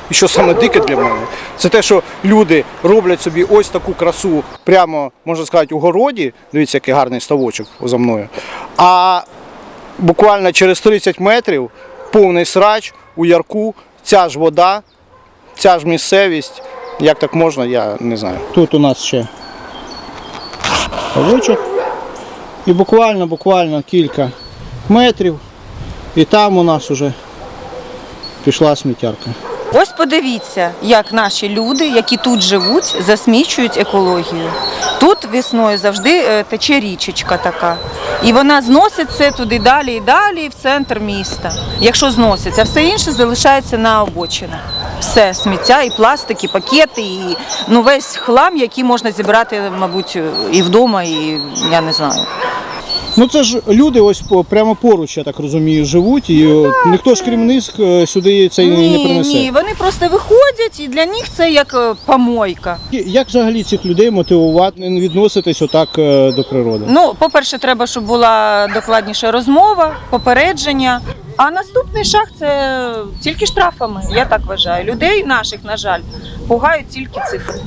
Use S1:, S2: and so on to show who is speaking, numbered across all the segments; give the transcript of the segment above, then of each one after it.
S1: і що саме дике для мене, це те, що люди роблять собі ось таку красу прямо, можна сказати, у городі, дивіться, який гарний ставочок за мною, а буквально через 30 метрів повний срач у ярку, ця ж вода, ця ж місцевість, як так можна, я не знаю. Тут у нас ще ставочок і буквально кілька метрів, і там у нас вже пішла сміттярка.
S2: Ось подивіться, як наші люди, які тут живуть, засмічують екологію. Тут весною завжди тече річечка така. І вона зносить це туди далі і далі, в центр міста. Якщо зноситься, а все інше залишається на обочинах. Все, сміття, і пластик, і пакети, і весь хлам, який можна зібрати, мабуть, і вдома, і я не знаю.
S1: Ну це ж люди ось прямо поруч, я так розумію, живуть, і ніхто ж крім них сюди це не принесе.
S2: Ні, вони просто виходять, і для них це як помойка.
S1: Як взагалі цих людей мотивувати, не відноситись отак до природи?
S2: Ну, по-перше, треба, щоб була докладніша розмова, попередження. А наступний шаг – це тільки штрафами, я так вважаю. Людей наших, на жаль, пугають тільки цифри.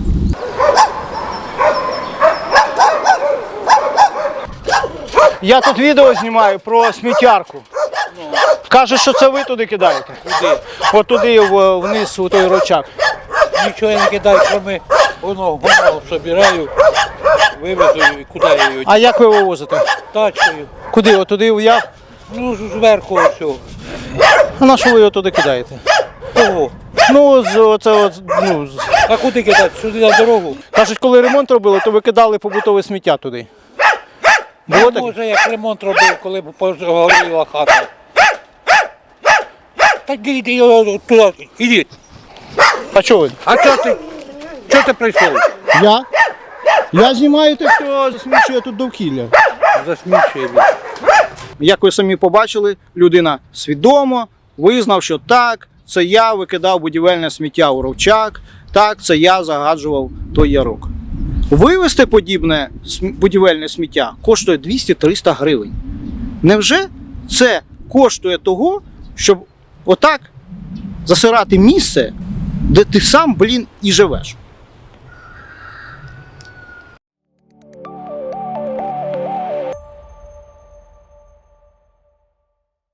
S1: Я тут відео знімаю про сміттярку. Кажуть, що це ви туди кидаєте?
S3: Куди?
S1: От туди вниз, у той рочак.
S3: Нічого я не кидаю, кроме воно собираю, вивезу і куди я її?
S1: А як ви вивозите?
S3: Тачкою.
S1: Куди? От туди в яр?
S3: Ну, зверху ось.
S1: А на що ви його туди кидаєте?
S3: Кого?
S1: Ну,
S3: А куди кидати? Сюди на дорогу?
S1: кажуть, коли ремонт робили, то ви кидали побутове сміття туди. Було таке?
S3: Може, як ремонт робив, коли погоріла хата. Та йдіть туди, ідіть.
S1: А чого ви?
S3: А чого ти прийшов?
S1: Я? Я знімаю те, хто засмічує тут довкілля.
S3: Засмічує він.
S1: Як ви самі побачили, людина свідомо визнав, що так, це я викидав будівельне сміття у ровчак, так, це я загаджував той ярок. Вивезти подібне будівельне сміття коштує 200-300 гривень. Невже це коштує того, щоб отак засирати місце, де ти сам, і живеш?